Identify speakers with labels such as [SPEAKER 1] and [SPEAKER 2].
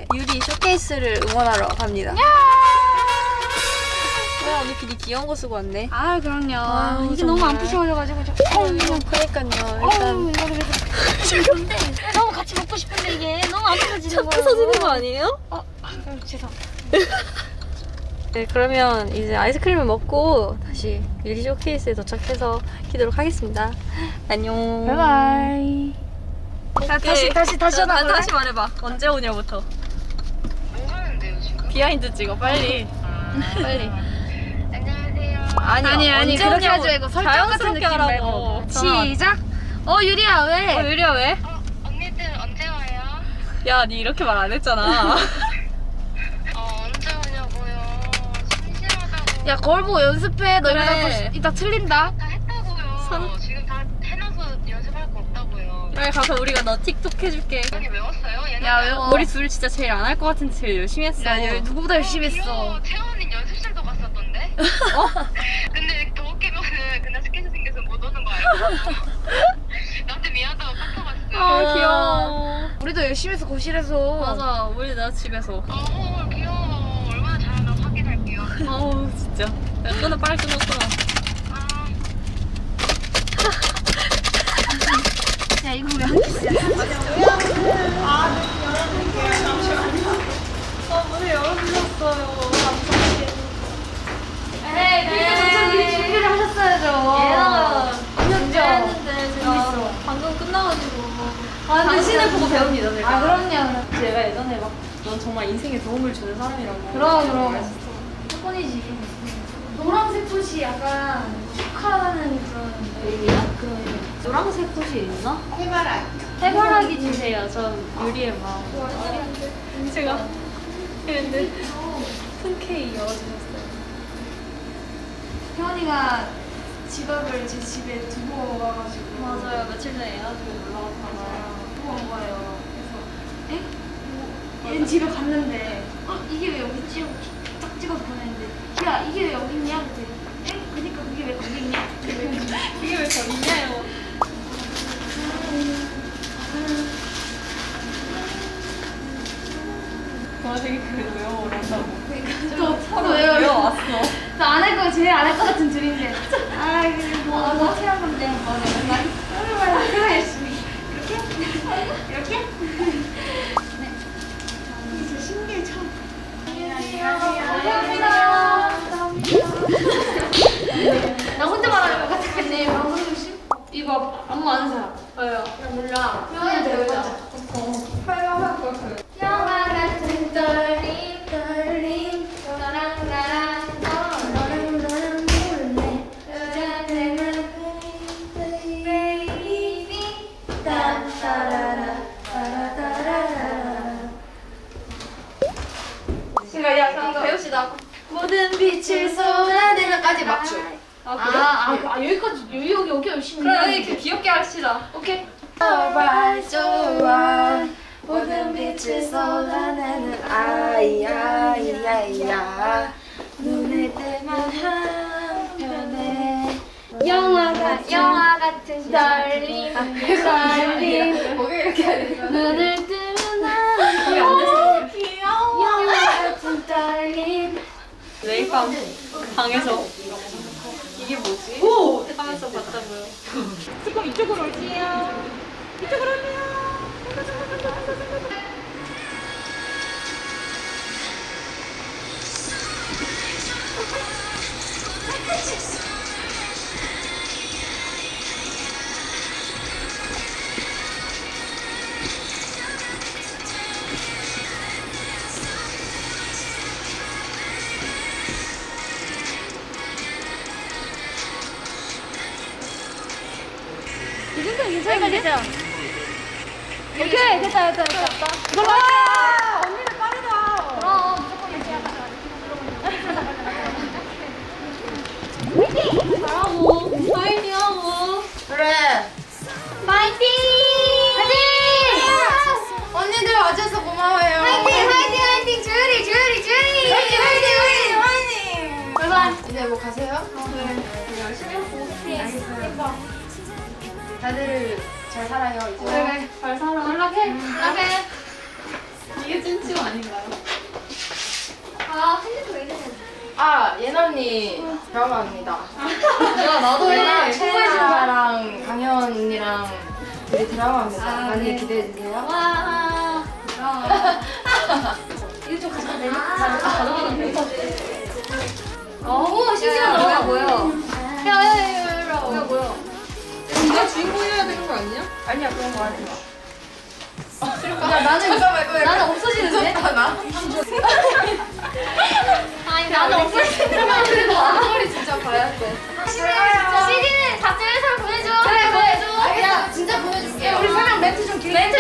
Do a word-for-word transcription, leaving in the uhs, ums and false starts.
[SPEAKER 1] 유리 쇼케이스를 응원하러 갑니다. 왜 언니 비니 귀여운 거 쓰고 왔네?
[SPEAKER 2] 아 그럼요.
[SPEAKER 1] 아유,
[SPEAKER 2] 이게
[SPEAKER 1] 정말.
[SPEAKER 2] 너무 안 푸셔져가지고 저.
[SPEAKER 1] 어우, 그러니까요. 일단
[SPEAKER 2] 이거를 근데 너무 같이 먹고 싶은데 이게 너무 안 푸셔지는 거예요.
[SPEAKER 1] 부서지는 거 아니에요?
[SPEAKER 2] 어, 아, 죄송.
[SPEAKER 1] 네, 그러면 이제 아이스크림을 먹고 다시 유리 쇼케이스에 도착해서 키도록 하겠습니다. 안녕.
[SPEAKER 2] 바이바이. 자, 다시 다시 다시 하나 볼래?
[SPEAKER 1] 다시 말해봐. 언제 오냐부터.
[SPEAKER 3] 뭐 하는데요 지금?
[SPEAKER 1] 비하인드 찍어 빨리. 빨리.
[SPEAKER 3] 안녕하세요.
[SPEAKER 1] 아니
[SPEAKER 2] 아니 아니
[SPEAKER 1] 언제
[SPEAKER 2] 그렇게
[SPEAKER 1] 오냐고.
[SPEAKER 2] 하지 말고 설정 같은
[SPEAKER 1] 자연스럽게
[SPEAKER 2] 느낌
[SPEAKER 1] 하라고.
[SPEAKER 2] 말고. 시작. 어 유리야 왜?
[SPEAKER 1] 어, 유리야 왜?
[SPEAKER 3] 어, 언니들 언제 와요?
[SPEAKER 1] 야, 니 이렇게 말 안 했잖아.
[SPEAKER 3] 어, 언제 오냐고요. 심심하다고.
[SPEAKER 2] 야 거울 보고 연습해. 너
[SPEAKER 1] 그래.
[SPEAKER 2] 이러다 또 이따 틀린다.
[SPEAKER 3] 다 했다고요.
[SPEAKER 1] 선-
[SPEAKER 3] 지금 다 해놔서 연습할 거 없다고요.
[SPEAKER 1] 빨리 가서 우리가 너 틱톡 해줄게.
[SPEAKER 3] 언니 외웠어요? 얘는
[SPEAKER 2] 야, 외워.
[SPEAKER 1] 우리 둘 진짜 제일 안 할 것 같은데 제일 열심히 했어.
[SPEAKER 2] 야 여- 누구보다 열심히 했어.
[SPEAKER 3] 채원이 연습실도 갔었던데?
[SPEAKER 1] 어?
[SPEAKER 3] 근데 더 웃기면은 그날 스케줄 생겨서 못 오는 거 알고 나한테 미안하다고 카톡 왔어요.
[SPEAKER 1] 아, 귀여워.
[SPEAKER 2] 우리도 열심히 해서 거실에서.
[SPEAKER 1] 맞아, 우리 나 집에서.
[SPEAKER 3] 어 귀여워. 얼마나 잘하나 확인할게요.
[SPEAKER 1] 어우, 진짜. 야, 끊어, 빨리 끊어, 끊어.
[SPEAKER 3] 아,
[SPEAKER 2] 야 이거 왜 한 개씩이야?
[SPEAKER 1] 어, 문을 열어주셨어요.
[SPEAKER 2] 에이 그러니까 전체 미리 준비를 하셨어야죠.
[SPEAKER 1] 얘가
[SPEAKER 2] 언제
[SPEAKER 1] 했는데 제가 방금 끝나가지고. 아, 당신을 보고 배웁니다, 제가.
[SPEAKER 2] 아 그럼요.
[SPEAKER 1] 제가 예전에 막, 넌 정말 인생에 도움을 주는 사람이라고.
[SPEAKER 2] 그럼 그럼. 조건이지. 노란색 붓이 약간 축하하는 그런 의미야? 그런 의미.
[SPEAKER 1] 노란색 꽃이 있나?
[SPEAKER 3] 해바라.
[SPEAKER 1] 해바라기 주세요. 전 유리의 마음. 제가 근데 큰 K 열어주셨어요.
[SPEAKER 2] 혜원이가 지갑을 제 집에 두고 와가지고.
[SPEAKER 1] 맞아요. 며칠 전에 에어지고 놀러 갔다가.
[SPEAKER 2] 두고 온 거예요. 그래서 에? 뭐, 얘는 집에 갔는데 어 이게 왜 여기 있지? 하고 딱 찍어서 보냈는데 야 이게 왜 여기 있냐? 그랬더니 에? 그니까 그게 왜 거기 있냐? 그게 왜 거기 있냐?
[SPEAKER 1] 이게 왜 저 있냐요? 와, 되게 그래도 외워오란다고.
[SPEAKER 2] 또 서로
[SPEAKER 1] 외워
[SPEAKER 2] 왜요?
[SPEAKER 1] 왔어.
[SPEAKER 2] 안할 거 제일 안 할 것 같은 둘인데. 아 이게 뭐 어떻게 한 건데? 뭐 맨날 얼마나 그래 열심히 이렇게 이렇게. 네. 이제 신기해 처음. 감사합니다. 나 혼자 말하는 것 같았겠네. 방송 조심. 이거 아무 아는 사람.
[SPEAKER 1] 왜요?
[SPEAKER 2] 나 몰라. 표현이 배우자. 영화 같은 떨림 떨림 너랑 나랑 너랑 너랑 몰래 여자들은 베이비 따따라라 따라따라라.
[SPEAKER 1] 그러니까 야, 이거 배웁시다.
[SPEAKER 2] 모든 빛을 쏟아내면까지 맞추.
[SPEAKER 1] 아,
[SPEAKER 2] 아,
[SPEAKER 1] 그래?
[SPEAKER 2] 아, 아 여기까지 여기 여기 여기 열심히.
[SPEAKER 1] 그래, 이렇게 귀엽게 합시다.
[SPEAKER 2] 오케이. 좋아 좋아 모든 빛을 쏟아내는 아이 아이 아이야 눈을 뜨면 한편에 영화 같은 영화 같은 떨림 떨림
[SPEAKER 1] 거기 이렇게 해야 되나?
[SPEAKER 2] 눈을 뜨면
[SPEAKER 1] 거기 안 돼서.
[SPEAKER 2] 한 귀여워 영화 같은 떨림.
[SPEAKER 1] 매일 밤 방에서 이게 뭐지? 오! 하면서 봤다고요. 그럼 이쪽으로 올게요. 이쪽으로 올게요.
[SPEAKER 2] 이 정도는 괜찮은데? 오케이 됐다 됐다 됐다. 이걸로 할게. 언니는 빠르다. 그럼 무조건 이렇게 하다가
[SPEAKER 1] 잘하고, 파이팅하고.
[SPEAKER 2] 그래. 파이팅! 파이팅! 언니들 와줘서 고마워요. 파이팅 파이팅 파이팅 주리 주리 주리. 파이팅 파이팅 파이팅. 바이바이. 이제 뭐 가세요? 네.
[SPEAKER 1] 열심히 하고.
[SPEAKER 2] 알겠어요. 다들 잘 살아요 이제.
[SPEAKER 1] 그래, 잘 살아.
[SPEAKER 2] 연락해. 연락해.
[SPEAKER 1] 이게 찐치고 아닌가요?
[SPEAKER 2] 아 핸드폰 왜 이래?
[SPEAKER 4] 아 예나언니 드라마입니다.
[SPEAKER 1] 야 나도
[SPEAKER 4] 예나
[SPEAKER 1] 해.
[SPEAKER 4] 최진아랑 강현 언니랑 우리 드라마입니다.
[SPEAKER 2] 아,
[SPEAKER 4] 많이
[SPEAKER 2] 네.
[SPEAKER 4] 기대해 주세요.
[SPEAKER 2] 와. 이거 좀 가져가 내 가져가면 돼. 어머 신기하다. 뭐야 뭐야? 야야야 뭐야 뭐야?
[SPEAKER 1] 네가 주인공이어야 되는 거 아니야?
[SPEAKER 4] 아니야 그런 거 하지 마.
[SPEAKER 2] 야 나는
[SPEAKER 4] 이거 말고
[SPEAKER 2] 나는 없어지는데?
[SPEAKER 4] 나?
[SPEAKER 2] 아니 나는 없어지는데.
[SPEAKER 4] 그래도 앞머리 진짜 봐야 돼.
[SPEAKER 2] 시디는 각자 회사를 보내줘. 그래 보내줘.
[SPEAKER 4] 알겠어 진짜 보내줄게.
[SPEAKER 2] 우리 설명 멘트 좀 길게. 멘트